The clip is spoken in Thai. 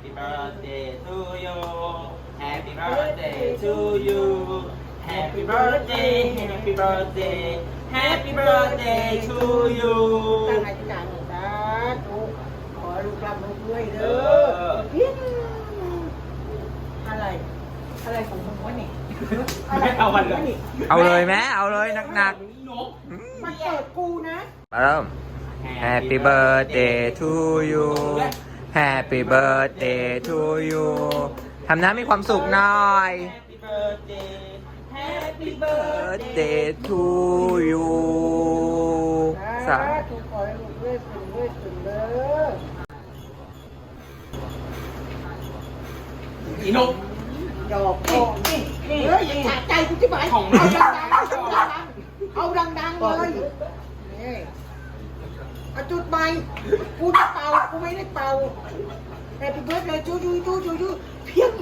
Happy birthday to you Happy birthday to you Happy birthday Happy birthday Happy birthday to you ตั้งอธิษฐานสาธุขอลูกรับลูกด้วยเด้อเพี้ยนอะไรของมึงวะนี่ไม่เอาวันเลยเอาเลยไหมเอาเลยหนักนกมันเกิดกูนะๆมาเริ่ม Happy birthday to you Happy birthday to you ทำหน้ามีความสุขหน่อย Happy birthday Happy birthday to you สาธุขอให้ลูกด้วยสุดเด้ออีนกดอกนี่เฮ้ยอย่าขาดใจกูที่หมายของเอาดังๆเลยนี่เอาจุดใหม่กูจะเป่ากูไม่ได้เป่า Happy birthday จูเพียง